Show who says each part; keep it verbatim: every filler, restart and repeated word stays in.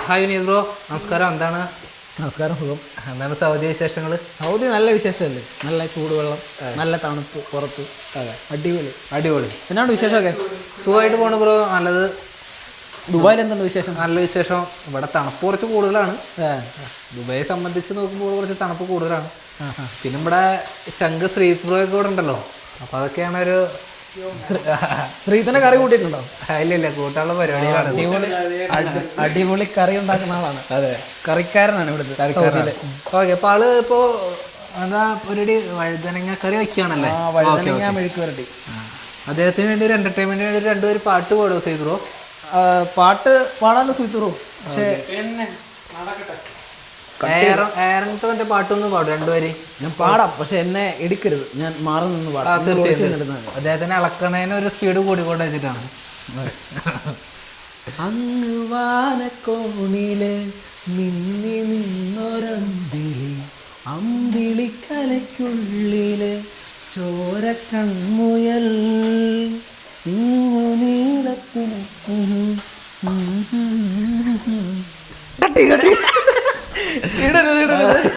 Speaker 1: Hi Vineeth bro, നമസ്കാരം. എന്താണ്
Speaker 2: നമസ്കാരം. സുഖം.
Speaker 1: എന്താണ് സൗദി വിശേഷങ്ങൾ?
Speaker 2: സൗദി നല്ല വിശേഷമല്ലേ, നല്ല ചൂടുവെള്ളം, നല്ല തണുപ്പ് പുറത്ത്.
Speaker 1: അതെ,
Speaker 2: അടിപൊളി
Speaker 1: അടിപൊളി.
Speaker 2: എന്നാണ് വിശേഷമൊക്കെ?
Speaker 1: സുഖമായിട്ട് പോണു ബ്രോ. നല്ലത്.
Speaker 2: ദുബായിൽ എന്താണ് വിശേഷം?
Speaker 1: നല്ല വിശേഷം. ഇവിടെ തണുപ്പ് കുറച്ച് കൂടുതലാണ്. ദുബായെ സംബന്ധിച്ച് നോക്കുമ്പോൾ കുറച്ച് തണുപ്പ് കൂടുതലാണ്. പിന്നെ ഇവിടെ ചങ്ക് ശ്രീത് ബ്രോ ഒക്കെ ഇവിടെ ഉണ്ടല്ലോ, അപ്പോൾ അതൊക്കെയാണ് ഒരു
Speaker 2: ശ്രീധന കറി കൂട്ടിയിട്ടുണ്ടോ?
Speaker 1: ഇല്ല ഇല്ല, കൂട്ടാനുള്ള പരിപാടികളാണ്.
Speaker 2: അടിപൊളി അടിപൊളി കറി ഉണ്ടാക്കുന്ന ആളാണ്.
Speaker 1: അതെ,
Speaker 2: കറിക്കാരനാണ് ഇവിടുത്തെ.
Speaker 1: ഓക്കെ. അപ്പോൾ ആള് ഇപ്പോൾ എന്താ ഒരു വഴുതനങ്ങ കറി വയ്ക്കുകയാണല്ലേ?
Speaker 2: വഴുതനങ്ങ മെഴുക്ക് വരട്ടി.
Speaker 1: അദ്ദേഹത്തിന് വേണ്ടി ഒരു എന്റർടൈൻമെന്റിന് വേണ്ടി രണ്ടുപേര് പാട്ട് പാടുമോ ശ്രീത് ബ്രോ?
Speaker 2: പാട്ട് പാടാന്ന് സുഹൃത്തു. പക്ഷേ
Speaker 1: ഏറത്തെ പാട്ടൊന്നും പാടും രണ്ടുപേര്.
Speaker 2: ഞാൻ പാടാം, പക്ഷെ എന്നെ എടുക്കരുത്, ഞാൻ മാറി നിന്ന് പാടാം.
Speaker 1: അദ്ദേഹത്തിന് ഇളക്കണേന് ഒരു സ്പീഡ് കൂടിക്കൊണ്ട് വെച്ചിട്ടാണ്.
Speaker 2: അങ്ങ് വാനക്കോണില് മിന്നി നിന്നൊരമ്പിളി, അമ്പിളിക്കലയ്ക്കുള്ളില് ചോര കൺമുയൽ, നീളത്തിന് കട്ടി കട്ടി ഇടരുത് ഇടരുത്